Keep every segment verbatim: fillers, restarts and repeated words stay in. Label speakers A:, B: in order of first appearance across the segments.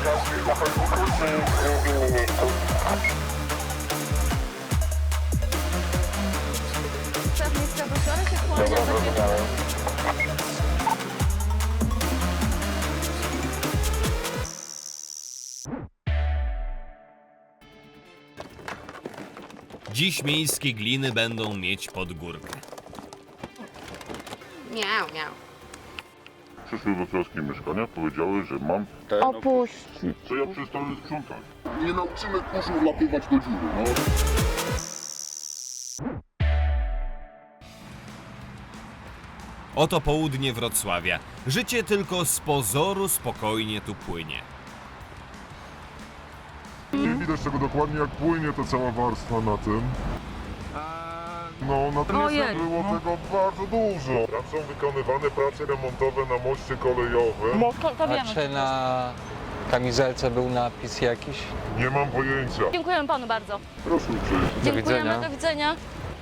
A: Dziś miejskie gliny będą mieć pod górkę.
B: Miau, miau.
C: Przyszły do troski mieszkania, powiedziały, że mam
D: Opuścić.
C: co ja przestanę sprzątać. Nie nauczymy kurzu wlatywać do dziury, no.
A: Oto południe Wrocławia. Życie tylko z pozoru spokojnie tu płynie.
C: Nie widać tego dokładnie, jak płynie ta cała warstwa na tym. No, na tym
D: Ojej,
C: było tego bardzo dużo. Tam są wykonywane prace remontowe na moście kolejowym.
D: No to, to
E: A
D: wiemy.
E: czy na kamizelce był napis jakiś?
C: Nie mam pojęcia.
D: Dziękujemy panu bardzo.
C: Proszę uprzejmie.
D: Dziękujemy,
E: widzenia.
D: do widzenia.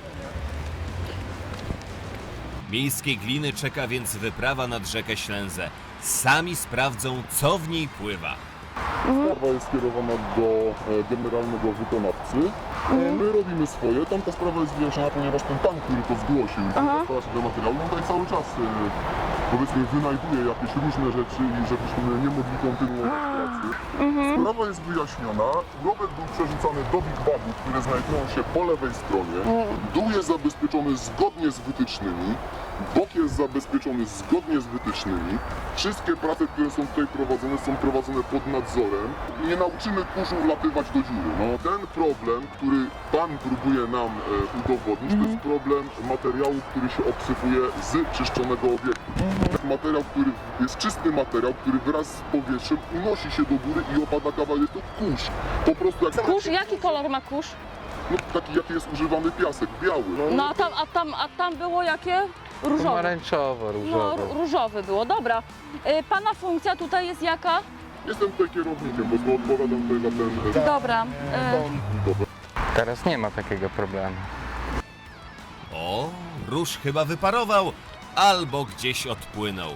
A: Miejskie gliny czeka więc wyprawa nad rzekę Ślęzę. Sami sprawdzą, co w niej pływa.
C: Sprawa jest skierowana do e, generalnego wykonawcy. E, my robimy swoje. Tam ta sprawa jest wyjaśniona, ponieważ ten pan, który to zgłosił, stara się do materiału, on tutaj cały czas e, powiedzmy wynajduje jakieś różne rzeczy i żebyśmy nie mogli kontynuować pracy. Sprawa jest wyjaśniona. Urobek był przerzucany do Big Bagu, które znajdują się po lewej stronie. Dół jest zabezpieczony zgodnie z wytycznymi. Bok jest zabezpieczony zgodnie z wytycznymi. Wszystkie prace, które są tutaj prowadzone, są prowadzone pod nadzorem. Nie nauczymy kurzu wlatywać do dziury. No, ten problem, który pan próbuje nam e, udowodnić, to jest problem materiału, który się obsypuje z czyszczonego obiektu. Materiał, który jest czysty materiał, który wraz z powietrzem unosi się do góry i opada kawałek. Jest to kurz. Po prostu jak
D: Kurz, jaki kolor ma kurz?
C: no, taki jaki jest używany piasek, biały.
D: No a tam, a tam, a tam było jakie? Różowe.
E: Pomarańczowo,
D: No,
E: różowo.
D: r- różowy było, dobra. Y, pana funkcja tutaj jest jaka?
C: Jestem tutaj kierownikiem, bo odpowiadam tutaj za ten...
D: Dobra. Y,
E: Teraz nie ma takiego problemu.
A: O, róż chyba wyparował, albo gdzieś odpłynął.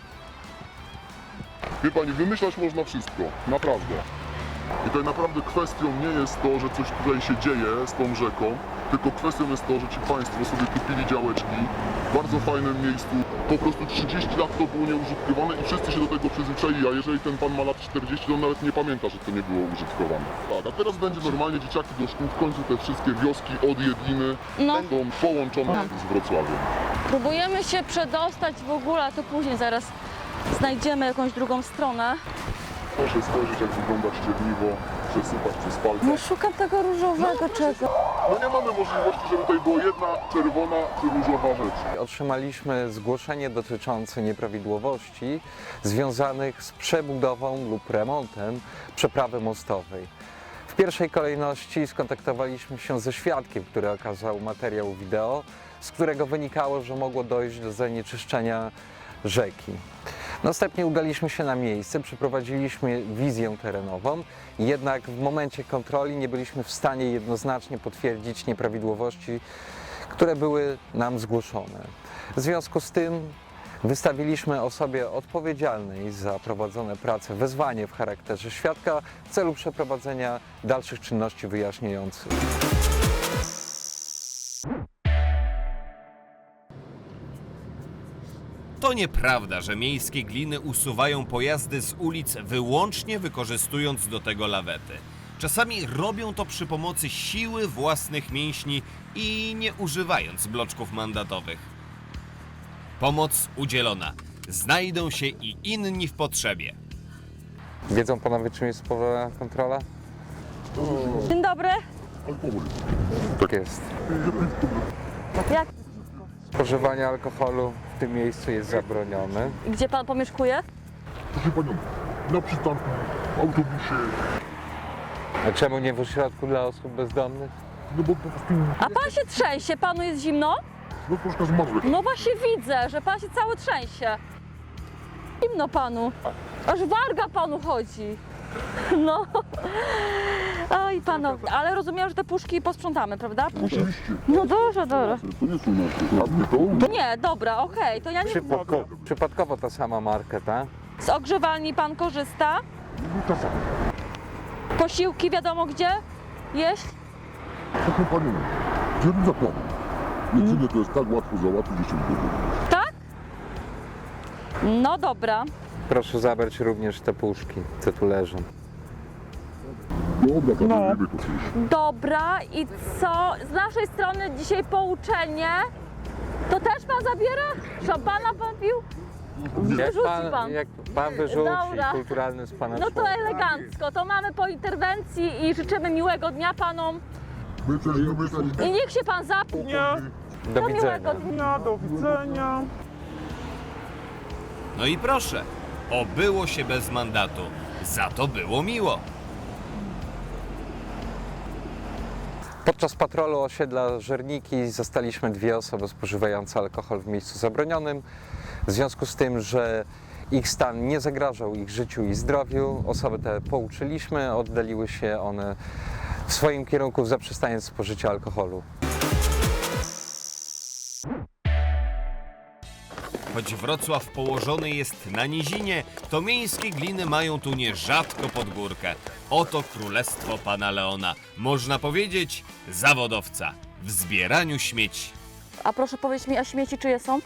C: Wie pani, wymyślać można wszystko, naprawdę. I tutaj naprawdę kwestią nie jest to, że coś tutaj się dzieje z tą rzeką, tylko kwestią jest to, że ci państwo sobie kupili działeczki w bardzo fajnym miejscu. Po prostu trzydzieści lat to było nieużytkowane i wszyscy się do tego przyzwyczaili, a jeżeli ten pan ma lat czterdzieści, to on nawet nie pamięta, że to nie było użytkowane. Tak, a teraz będzie normalnie dzieciaki do szkół, w końcu te wszystkie wioski od Jedliny
D: No.
C: będą połączone z Wrocławiem.
D: próbujemy się przedostać w ogóle, a to później zaraz znajdziemy jakąś drugą stronę.
C: Proszę spojrzeć, jak wygląda ścierniwo, przesypać przez palce.
D: No szukam tego różowego czego.
C: No nie mamy możliwości, żeby tutaj była jedna czerwona czy różowa rzecz.
E: Otrzymaliśmy zgłoszenie dotyczące nieprawidłowości związanych z przebudową lub remontem przeprawy mostowej. W pierwszej kolejności skontaktowaliśmy się ze świadkiem, który okazał materiał wideo, z którego wynikało, że mogło dojść do zanieczyszczenia rzeki. Następnie udaliśmy się na miejsce, przeprowadziliśmy wizję terenową, jednak w momencie kontroli nie byliśmy w stanie jednoznacznie potwierdzić nieprawidłowości, które były nam zgłoszone. W związku z tym wystawiliśmy osobie odpowiedzialnej za prowadzone prace wezwanie w charakterze świadka w celu przeprowadzenia dalszych czynności wyjaśniających.
A: To nieprawda, że miejskie gliny usuwają pojazdy z ulic wyłącznie wykorzystując do tego lawety. Czasami robią to przy pomocy siły własnych mięśni i nie używając bloczków mandatowych. Pomoc udzielona. Znajdą się i inni w potrzebie.
E: Wiedzą panowie, czym jest spowodowana kontrola?
D: Dzień dobry.
C: Alkohol.
E: Tak jest.
D: Jak?
E: Spożywanie alkoholu w tym miejscu jest zabronione.
D: Gdzie pan pomieszkuje?
C: Proszę panią, na przystanku, w autobusie,
E: A czemu nie w ośrodku dla osób bezdomnych?
C: no bo po prostu
D: A pan się trzęsie, panu jest zimno?
C: no troszkę zmarzłe.
D: No właśnie widzę, że pan się cały trzęsie. Zimno panu. Aż warga panu chodzi. No. Oj panowie, ale rozumiem, że te puszki posprzątamy, prawda?
C: Oczywiście,
D: No dobrze, dobrze.
C: to nie są nasze. A my to?
D: Nie, dobra, okej, to ja nie...
E: Przypadko, przypadkowo ta sama marka, tak?
D: Z ogrzewalni pan korzysta?
C: Czasami.
D: Posiłki wiadomo gdzie jeść?
C: Proszę Pani, dzielny zakładu. Jedzenie to jest tak łatwo załatwić, że się wygodzi.
D: Tak? No dobra.
E: Proszę zabrać również te puszki, co tu leżą.
C: Dobra, zabierzemy to coś.
D: Dobra i co? Z naszej strony dzisiaj pouczenie. To też pan zabiera? Szampana pan pił?
E: Jak
D: Wyrzuci
E: pan,
D: pan.
E: jak pan wyrzuci,
D: Dobra.
E: kulturalny z pana
D: No to
E: człowiek.
D: elegancko. To mamy po interwencji i życzymy miłego dnia panom.
C: My też lubimy.
D: I niech się pan zapnie.
E: Do
D: Do
E: widzenia.
D: miłego dnia.
B: Do widzenia.
A: No i proszę, obyło się bez mandatu. Za to było miło.
E: Podczas patrolu osiedla Żerniki zastaliśmy dwie osoby spożywające alkohol w miejscu zabronionym. W związku z tym, że ich stan nie zagrażał ich życiu i zdrowiu, osoby te pouczyliśmy, oddaliły się one w swoim kierunku, zaprzestając spożycia alkoholu.
A: Choć Wrocław położony jest na nizinie, to miejskie gliny mają tu nierzadko pod górkę. Oto królestwo pana Leona. Można powiedzieć zawodowca w zbieraniu śmieci.
D: A proszę powiedzieć mi, a śmieci czyje są?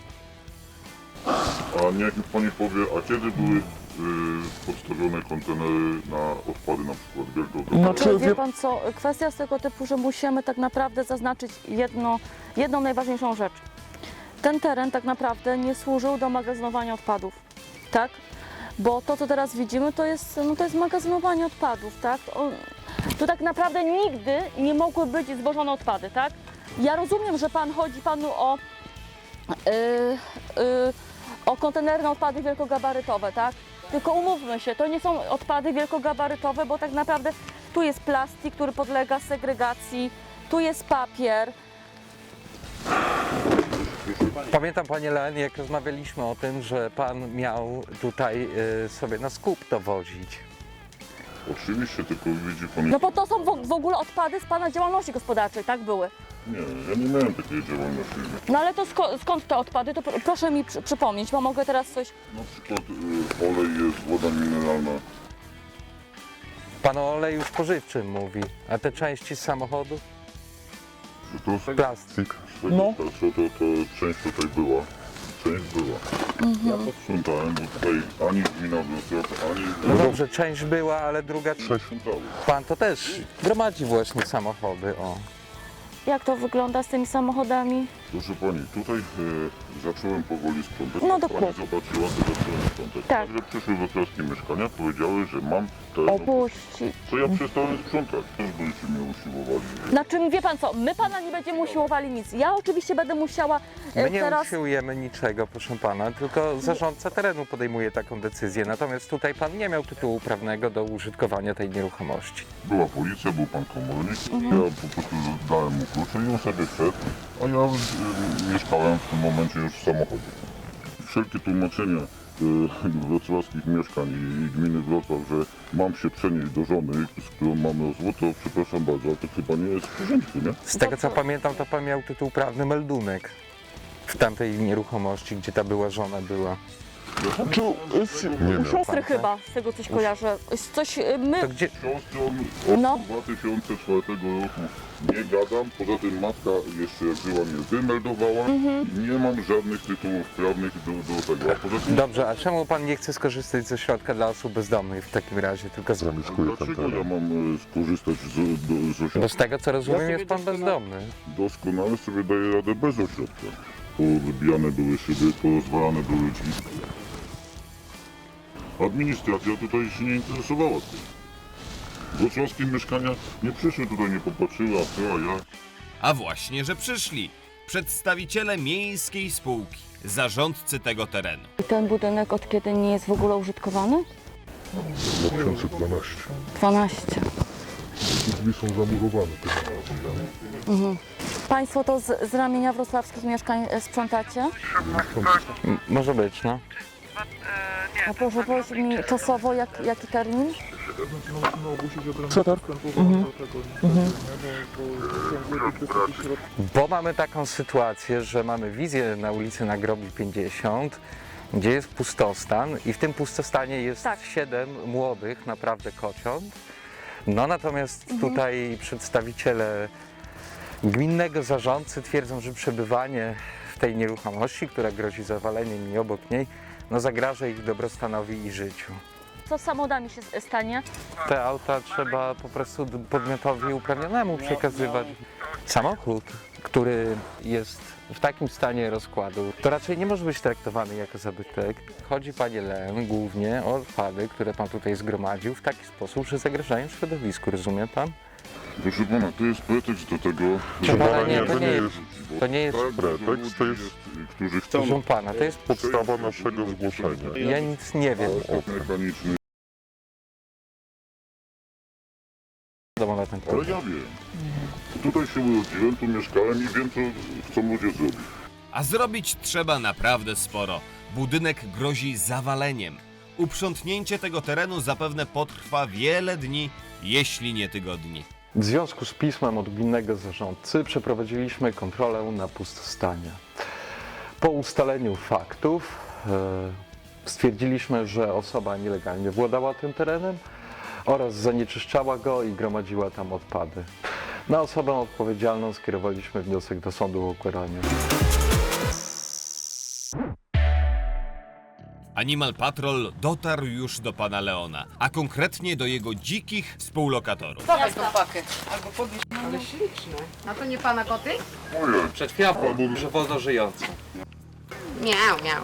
C: A niech mi Pani powie, a kiedy były y, podstawione kontenery na odpady na przykład wielkogabarytowe?
B: No,
D: Czy
B: czy
D: wie
B: wie...
D: pan co, kwestia z tego typu, że musimy tak naprawdę zaznaczyć jedno, jedną najważniejszą rzecz. Ten teren tak naprawdę nie służył do magazynowania odpadów, tak? Bo to, co teraz widzimy, to jest, no to jest magazynowanie odpadów, tak? O, tu tak naprawdę nigdy nie mogły być zwożone odpady, tak? Ja rozumiem, że pan chodzi panu o, yy, yy, o kontenerne odpady wielkogabarytowe, tak? Tylko umówmy się, to nie są odpady wielkogabarytowe, bo tak naprawdę tu jest plastik, który podlega segregacji, tu jest papier.
E: Pamiętam, panie Leon, jak rozmawialiśmy o tym, że pan miał tutaj y, sobie na skup dowozić.
C: Oczywiście, tylko widzi Pani...
D: No bo to są w, w ogóle odpady z pana działalności gospodarczej, tak były.
C: Nie, ja nie miałem takiej działalności.
D: No ale to sko- skąd te odpady? To pr- proszę mi przy- przypomnieć, bo mogę teraz coś...
C: Na przykład y, olej jest, woda mineralna.
E: Pan o oleju spożywczym mówi, a te części z samochodu?
C: Że to jest
E: Plastik.
C: no. to, to, to część tutaj była. Część była. Ja posprzątałem, bo tutaj ani gmina Wrocław, ani...
E: No dobrze, część była, ale druga...
C: Przesprzątały.
E: Pan to też gromadzi właśnie samochody, o.
D: Jak to wygląda z tymi samochodami?
C: Proszę Pani, tutaj e, zacząłem powoli sprzątać.
D: No
C: Jak
D: dokładnie.
C: Pani zobaczyła, to zacząłem sprzątać.
D: Tak.
C: Także przyszły wrocławskie mieszkania, powiedziały, że mam teren.
D: Opuści.
C: Co ja przestałem sprzątać? Też byście mnie usiłowali.
D: Znaczy, wie pan co, my pana nie będziemy usiłowali nic. Ja oczywiście będę musiała e,
E: My nie
D: teraz...
E: usiłujemy niczego, proszę pana, tylko zarządca terenu podejmuje taką decyzję. Natomiast tutaj pan nie miał tytułu prawnego do użytkowania tej nieruchomości.
C: Była policja, był pan komornik.
D: Mhm.
C: Ja po prostu dałem mu klucze i on sobie wszedł, a ja e, mieszkałem w tym momencie już w samochodzie. Wszelkie tłumaczenia e, wrocławskich mieszkań i, i gminy Wrocław, że mam się przenieść do żony, z którą mamy złoto, przepraszam bardzo, ale to chyba nie jest w porządku, nie?
E: Z tego co pamiętam, to pan miał tytuł prawny meldunek w tamtej nieruchomości, gdzie ta była żona była.
C: Nie
D: U siostry chyba, z tego coś kojarzę. Coś, e, my...
E: To gdzie...
C: Siostrą od
D: No.
C: dwa tysiące czwartego roku nie gadam, poza tym matka jeszcze jak żyła mnie wymeldowała.
D: Mhm.
C: Nie mam żadnych tytułów prawnych do, do tego. A poza tym,
E: Dobrze, a czemu pan nie chce skorzystać ze środka dla osób bezdomnych w takim razie, tylko z...
C: dlaczego ja mam e, skorzystać z, do, z
E: Bo
C: ośrodka?
E: z tego co rozumiem, jest pan bezdomny.
C: Doskonale sobie daję radę bez ośrodka. Powybijane były szyby, porozwalane były drzwi. Administracja tutaj się nie interesowała tym. Wrocławskie mieszkania nie przyszły tutaj, nie popatrzyły, a co, a ja...
A: A właśnie, że przyszli. Przedstawiciele miejskiej spółki, zarządcy tego terenu.
D: I ten budynek od kiedy nie jest w ogóle użytkowany?
C: dwa tysiące dwanaście.
D: dwanaście.
C: Drzwi są zamurowane.
D: Państwo to z, z ramienia wrocławskich mieszkań e, sprzątacie?
E: M- może być, no.
D: A proszę powiedzieć mi czasowo jak, jaki termin?
B: Co tak?
E: Bo mamy taką sytuację, że mamy wizję na ulicy Nagrobi pięćdziesiąt gdzie jest pustostan i w tym pustostanie jest
D: Tak.
E: siedem młodych naprawdę kociąt. No natomiast tutaj przedstawiciele gminnego zarządcy twierdzą, że przebywanie w tej nieruchomości, która grozi zawaleniem i obok niej, no zagraża ich dobrostanowi i życiu.
D: Co z samochodami się stanie?
E: Te auta trzeba po prostu podmiotowi uprawnionemu przekazywać. Samochód, który jest w takim stanie rozkładu, to raczej nie może być traktowany jako zabytek. Chodzi, panie Len, głównie o odpady, które pan tutaj zgromadził w taki sposób, że zagrażają środowisku, rozumie pan?
C: Proszę pana, to jest pretekst do tego,
E: Proszę pana, nie,
C: że
E: to nie jest,
C: bo
E: to nie jest,
C: tak dużo
F: pretekst, to
C: ludzi
F: jest-
C: którzy chcą
E: proszę pana, to jest,
F: Podstawa naszego zgłoszenia.
E: ja nic nie wiem o
C: sport mechaniczny,
E: tym na ten
C: ale
E: temat.
C: ja wiem. Tutaj się urodziłem, tu mieszkałem i wiem, co chcą ludzie zrobić.
A: A zrobić trzeba naprawdę sporo. Budynek grozi zawaleniem. Uprzątnięcie tego terenu zapewne potrwa wiele dni, jeśli nie tygodni.
E: W związku z pismem od gminnego zarządcy przeprowadziliśmy kontrolę na pustostanie. Po ustaleniu faktów e, stwierdziliśmy, że osoba nielegalnie władała tym terenem oraz zanieczyszczała go i gromadziła tam odpady. Na osobę odpowiedzialną skierowaliśmy wniosek do sądu o ukaranie.
A: Animal Patrol dotarł już do pana Leona, a konkretnie do jego dzikich współlokatorów.
G: Dawaj tą pakę. Albo podnieś. Ale śliczne. A to nie pana koty?
C: Ojej,
E: Przed chwilą powiedział, że wolno żyjące.
G: Miał, miał.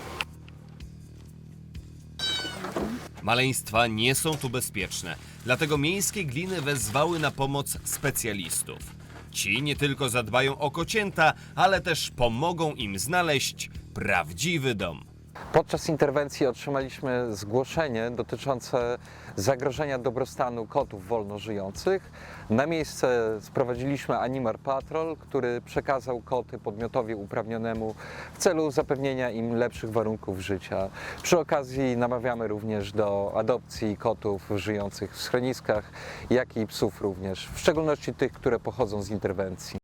A: Maleństwa nie są tu bezpieczne, dlatego miejskie gliny wezwały na pomoc specjalistów. Ci nie tylko zadbają o kocięta, ale też pomogą im znaleźć prawdziwy dom.
E: Podczas interwencji otrzymaliśmy zgłoszenie dotyczące zagrożenia dobrostanu kotów wolno żyjących. Na miejsce sprowadziliśmy Animal Patrol, który przekazał koty podmiotowi uprawnionemu w celu zapewnienia im lepszych warunków życia. Przy okazji namawiamy również do adopcji kotów żyjących w schroniskach, jak i psów również, w szczególności tych, które pochodzą z interwencji.